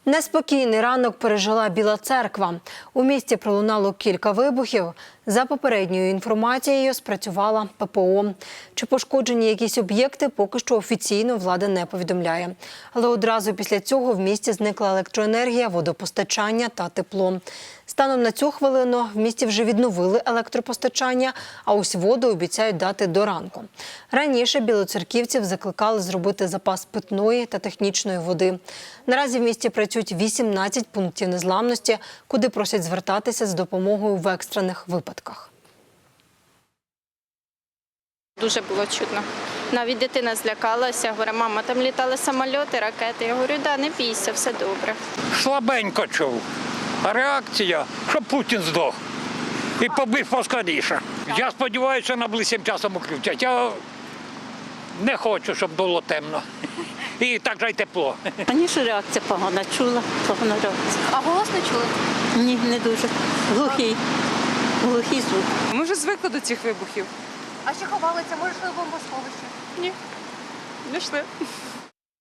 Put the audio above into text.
Неспокійний ранок пережила Біла Церква. У місті пролунало кілька вибухів. За попередньою інформацією, спрацювала ППО. Чи пошкоджені якісь об'єкти, поки що офіційно влада не повідомляє. Але одразу після цього в місті зникла електроенергія, водопостачання та тепло. Станом на цю хвилину в місті вже відновили електропостачання, а ось воду обіцяють дати до ранку. Раніше білоцерківців закликали зробити запас питної та технічної води. Наразі в місті працюють 18 пунктів незламності, куди просять звертатися з допомогою в екстрених випадках. Дуже було чутно. Навіть дитина злякалася, говорить, мама, там літали самольоти, ракети. Я говорю, да, не бійся, все добре. Слабенько чув. А реакція, щоб Путін здох і побив поскоріше. Я сподіваюся, найближчим часом включать. Я не хочу, щоб було темно. І так же й тепло. Раніше реакція погана, чула, погана реакція. А голос не чули? Ні, не дуже. Глухий. Глухий звук. Ми вже звикли до цих вибухів. А ще ховалися? Може, йшли в бомбосховище? Ні, не йшли.